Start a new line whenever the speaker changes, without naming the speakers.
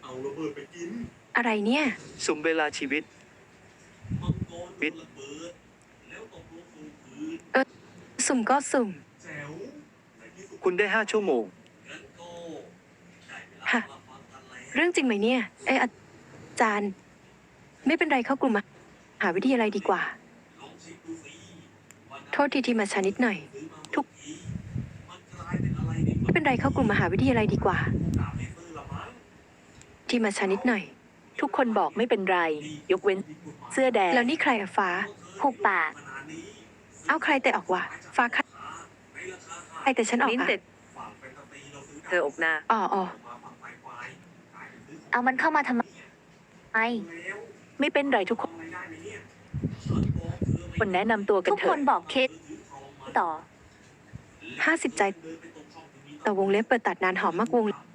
เอาระเบิดไปกิน
อะไรเนี่ย
สุ่มเวลาชีวิต
มังกรโดนระเบิดแล้วตกลงสู่พื้น
สุ่มก็สุ่ม
แจ๋วในที่สุด
คุณได้5 ชั่วโมง
งั้นก็ได้เวลา
ฮะ
มาฟังกันแล้ว
เรื่องจริงไหมเนี่ยอาจารย์ ไม่เป็นไรเข้ากลุ่มมหาวิทยาลัยดีกว่า
ลองเช็คดูสิว่า
โทษทีมาช้านิดหน่อย
ซื้อมา
ทุก
เมื่อกี้มันกลายเป็นอะไรใน
ไม่เป็นไรเข้ากลุ่มมหาวิทยาลัยดีกว่า
ตามไม่ซื้อละมั้ง
ที่มาช้านิดหน่อย
ทุกคนบอกไม่เป็นไร ยกเว้นเสื้อแดง
แล้วนี่ใครอะฟ้า
ผูกปาก
ขนาดนี้
เอาใครแต่ออกวะฟ้าใคร
ในราคา
ใครแต่ฉันออก
มิ้น
อะ
แต่
ฝั่งแฟนตาซีเราซื้อ
เธออกหน้า
อ๋อ
มาฝั่งไฟไฟขายเป็นซื้อของ
เอามันเข้ามาทำไม
แล้ว
ไม่เป็นไรทุกคน
ทำอะไรได้ไหมเนี่ยฉันบอกเธอ
คนแนะนำตัวกัน
ทุก
เถ
ค
อะ
นบอกเคสต่อ
50 ใจ
เดินไปตรงช่องที่มี
ต่อวงเล็บเปิดตัดนานหอมมากวงเล็บ